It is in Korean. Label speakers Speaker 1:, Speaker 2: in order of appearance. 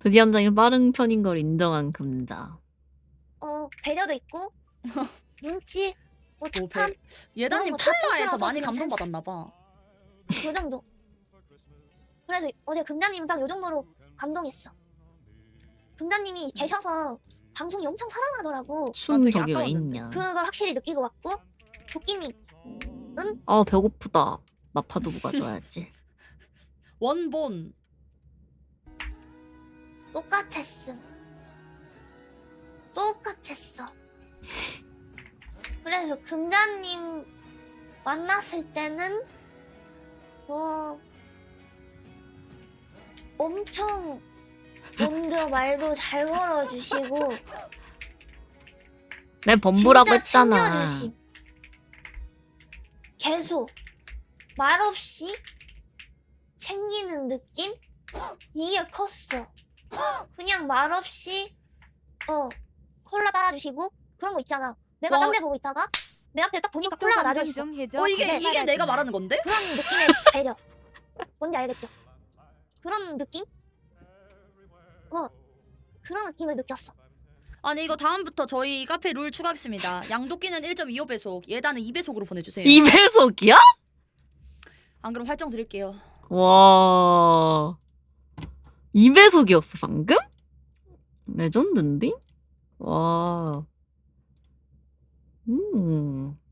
Speaker 1: 드디언장이 빠른 편인 걸 인정한 금자.
Speaker 2: 배려도 있고 눈치, 뭐 착함
Speaker 3: 예단님
Speaker 2: 이런 거다
Speaker 3: 팔라에서
Speaker 2: 통틀어서
Speaker 3: 많이
Speaker 2: 그냥
Speaker 3: 감동받았나봐.
Speaker 2: 그 정도. 그래서 어제 금자님은 딱 요 정도로 감동했어. 금자님이 계셔서 방송이 엄청 살아나더라고.
Speaker 1: 춤
Speaker 3: 되게
Speaker 1: 저기 왜
Speaker 3: 아까웠는데.
Speaker 1: 있냐.
Speaker 2: 그걸 확실히 느끼고 왔고 도끼님
Speaker 1: 배고프다. 마파두부 가져와야지.
Speaker 3: 원본.
Speaker 2: 똑같았음. 똑같았어. 그래서 금자님 만났을 때는 뭐 엄청 먼저 말도 잘 걸어주시고
Speaker 1: 내 범부라고
Speaker 2: 진짜
Speaker 1: 했잖아.
Speaker 2: 챙겨주심. 계속 말없이 챙기는 느낌? 이게 컸어. 그냥 말없이 콜라 따라주시고 그런 거 있잖아. 내가 딴 데 보고 있다가 내 앞에 딱 보니까 콜라가 놔져 있어.
Speaker 3: 이게 내가 말하는 건데?
Speaker 2: 그런 느낌의 배려. 뭔지 알겠죠? 그런 느낌? 그런 느낌을 느꼈어.
Speaker 3: 아니 이거 다음부터 저희 카페 룰 추가하겠습니다. 양도끼는 1.25배속, 예단은 2배속으로 보내주세요.
Speaker 1: 2배속이야?
Speaker 3: 안 그럼 활정 드릴게요.
Speaker 1: 와. 2배속이었어 방금? 레전드인데? 와.